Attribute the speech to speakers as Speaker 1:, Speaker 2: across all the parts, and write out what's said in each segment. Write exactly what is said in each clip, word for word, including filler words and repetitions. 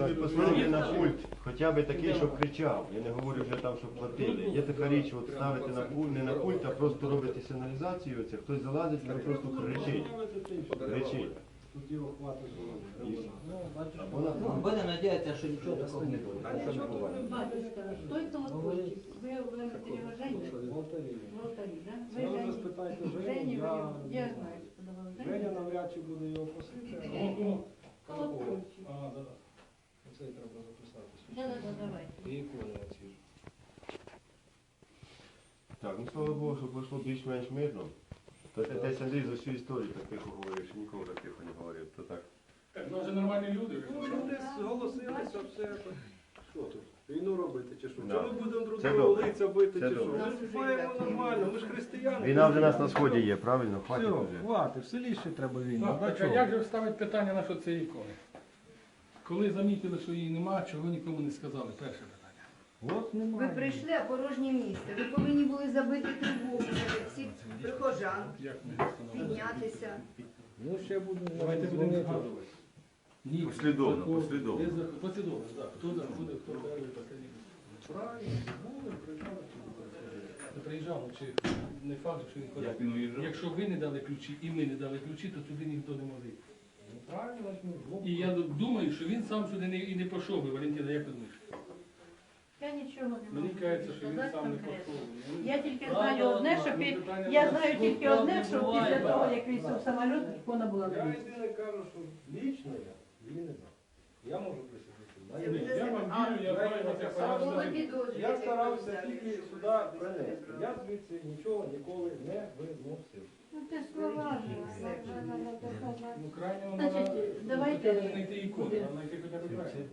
Speaker 1: Посмотрите на пульт, хоча б такий, щоб кричав. Я не говорю вже там, щоб платили. Є така річ, от ставити на пульт, не на пульт, а просто робити сигналізацію. Оце. Хтось залазить, він просто кричить. Кричить.
Speaker 2: Ну, будемо надіятися, що нічого такого не буде.
Speaker 3: Батюшка, той колокольчик, ви в електровоженні? Волтарі, так? Ви Жені, Жені, ви- я знаю, що давали Жені.
Speaker 4: Женя навряд чи буде його просити.
Speaker 3: Колокольчик.
Speaker 4: А, так, так. Оце і треба записатися.
Speaker 3: Да, да, да, давай.
Speaker 4: І ікони оці ж.
Speaker 1: Так, ну слава Богу, що пройшло більш-менш мирно. То ти десь Андрій за всю історію так тихо говорив, що ніколи так тихо не говорив. То так.
Speaker 5: Ну, вже нормальні люди.
Speaker 4: Ну, десь зголосилися, все. Що тут? Війну робити чи що?
Speaker 1: Да.
Speaker 4: Чому ми будемо друг
Speaker 1: Це
Speaker 4: друга
Speaker 1: добре.
Speaker 4: лиця бити
Speaker 1: Це
Speaker 4: чи що?
Speaker 1: добре.
Speaker 4: Ми вступаємо нормально, ми ж християни.
Speaker 1: Війна вже нас на сході є, правильно? Хватить
Speaker 4: Все,
Speaker 1: вже.
Speaker 4: хватить, в селі ще треба війну.
Speaker 5: Так, так, а як же ставить питання на що це ікони? Коли замітили, що її нема, чого нікому не сказали? Перше питання.
Speaker 4: От
Speaker 6: Ви
Speaker 4: немає.
Speaker 6: прийшли, а порожнє місце. Ви повинні були забити тривогу серед всіх прихожан,
Speaker 5: Як ми встановили?
Speaker 6: піднятися.
Speaker 4: Ну, ще будемо
Speaker 5: Давайте будемо
Speaker 4: дзвонити.
Speaker 5: згадувати. Ні,
Speaker 1: Послідовно,
Speaker 5: такого-
Speaker 1: послідовно.
Speaker 5: без зах- Послідовно, так. Хто заходить, хто перший, останній. Правильно, були, приїжджали. Не приїжджав, чи не факт, що він ходив. Якщо ви не дали ключі і ми не дали ключі, то туди ніхто не може йти.
Speaker 4: Ну, правильно, ну,
Speaker 5: І я думаю, що він сам сюди не, і не пішов би, Валентина, як ти думаєш?
Speaker 3: Я нічого не
Speaker 5: Мені
Speaker 3: можу
Speaker 5: кажеться, що він
Speaker 3: сказати
Speaker 5: сам не
Speaker 3: конкретно.
Speaker 5: пішов.
Speaker 3: Я тільки знаю одне, що під... я знаю тільки одне, що після того, як війшов самоліт, ікона була на
Speaker 4: Я
Speaker 3: місці.
Speaker 4: єдине кажу, що лічно я її не знав. Я можу присягнути.
Speaker 5: Я вам вірю, я знаю, як це
Speaker 6: А було
Speaker 5: правильно.
Speaker 6: підозрювати.
Speaker 4: Я старався тільки сюди принести. Я звідси нічого ніколи не виносив.
Speaker 3: Ну ти слова.
Speaker 5: Ну, крайнього
Speaker 3: Значить,
Speaker 5: треба
Speaker 3: давайте-
Speaker 5: хоча б знайти ікону, треба знайти хоча б крайнього.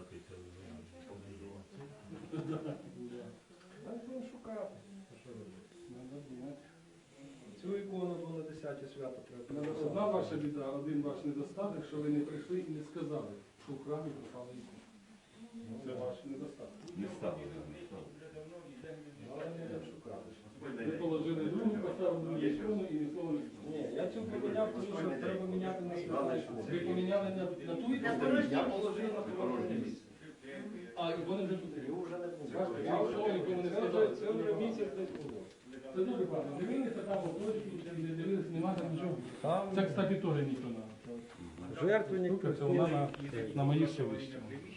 Speaker 4: Так будемо шукати.
Speaker 5: Надо думати.
Speaker 4: Цю ікону було десяті свято треба.
Speaker 5: Одна ваша біда, один ваш недостаток, що ви не прийшли і не сказали, що в храмі пропала ікона. Це ваш недостаток.
Speaker 1: Не ставили.
Speaker 4: Але не будемо шукати.
Speaker 5: Ви положили другу, поставили другу ікону і ніколи не сказали.
Speaker 4: Ні, я цю поміняв, тому що треба міняти на свята ікону.
Speaker 5: Ви поміняли на, на ту
Speaker 6: На
Speaker 5: ікону?
Speaker 6: порожнє
Speaker 4: Я положив на порожнє місце.
Speaker 5: А ікони вже тут.
Speaker 4: Його вже не було.
Speaker 5: Бачите,
Speaker 4: Я
Speaker 5: я
Speaker 4: вже-
Speaker 5: вже нікому не
Speaker 4: Це
Speaker 5: сказав.
Speaker 4: вже- це вже місяць десь було.
Speaker 5: Це дуже правильно. Дивилися там у точку, не дивилися, нема там нічого.
Speaker 4: Там
Speaker 5: Це, кстати, теж ікона.
Speaker 4: жертвенник.
Speaker 5: Це вона на, на моїй совісті.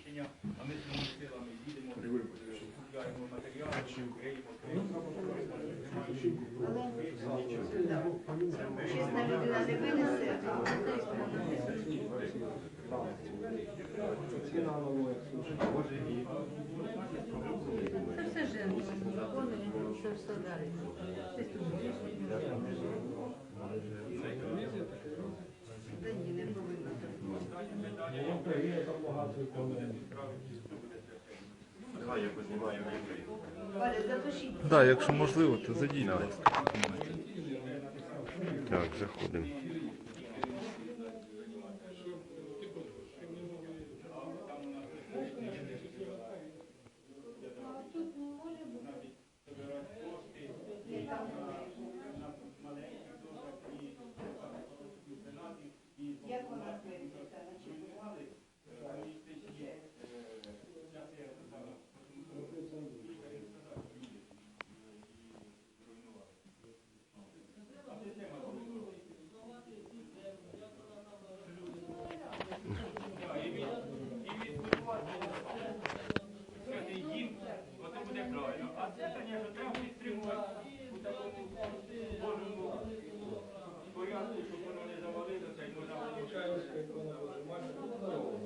Speaker 6: Чесна людина не винесе,
Speaker 4: Ціна нової.
Speaker 1: Може і
Speaker 3: Це все жінки, ікони, це все далі.
Speaker 6: та ні, не повинна.
Speaker 4: Ну, Україна там багато ікон.
Speaker 1: хай якось знімає відео.
Speaker 6: Валя, запишіть.
Speaker 7: Так, якщо можливо, то зайдіть.
Speaker 1: Так, заходимо.
Speaker 6: Як вона зветься?
Speaker 4: Чайська ікона Божа Матір. Ну, здорово.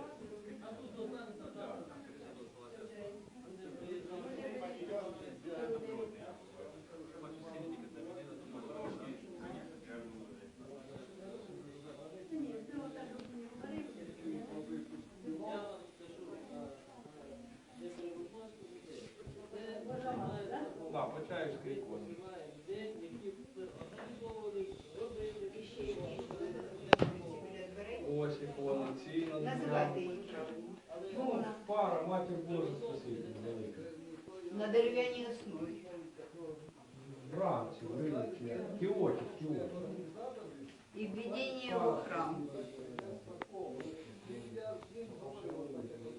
Speaker 4: Да, Почаївська ікона. Ось ікона, ці
Speaker 6: Називайте її.
Speaker 4: Ну, пара, Матір Божа, спасибі, велика.
Speaker 6: На дерев'яній основі.
Speaker 4: Бранці, великі, кіотів, кіотів.
Speaker 6: І введення у храм.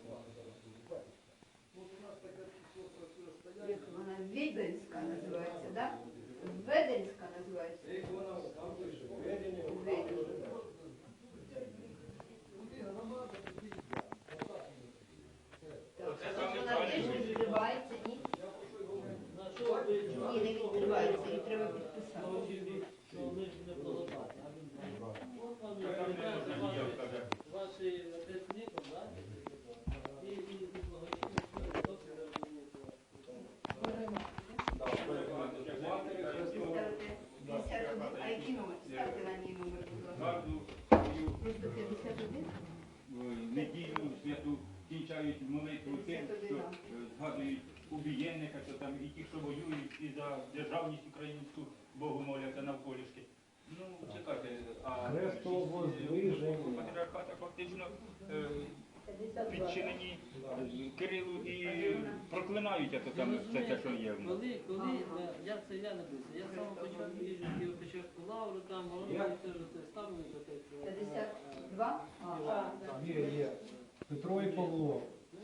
Speaker 8: читають молитву тим, що е, згадують убієнника, що там і ті, що воюють, і за державність українську Богу моляться навколішки. Ну, чекайте, а
Speaker 4: Хрестовоздвиження.
Speaker 8: патріархата фактично е, підчинені Кирилу і проклинають це там все те, що є в нас.
Speaker 9: Коли, коли е, я це я не бився, я з самого початку їжджу в Києво-Печерську лавру, там воно
Speaker 6: Я-
Speaker 9: теж це ставлено таке.
Speaker 6: п'ятдесят два?
Speaker 4: Є, є. Петро і Павло.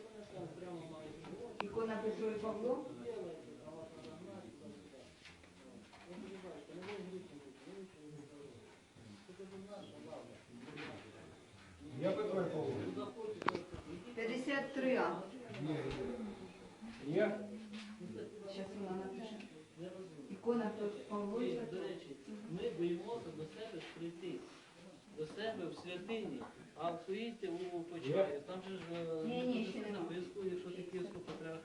Speaker 6: Ікона Петро і Павло?
Speaker 4: Я Петро і Павло.
Speaker 6: п'ятдесят три А.
Speaker 4: Є, є. Є?
Speaker 6: Зараз вона напише. Ікона Павло і
Speaker 9: До
Speaker 6: Петро.
Speaker 9: речі, ми боїмося до себе ж прийти, до себе в святині, а стоїте у почаї, там же ж... е,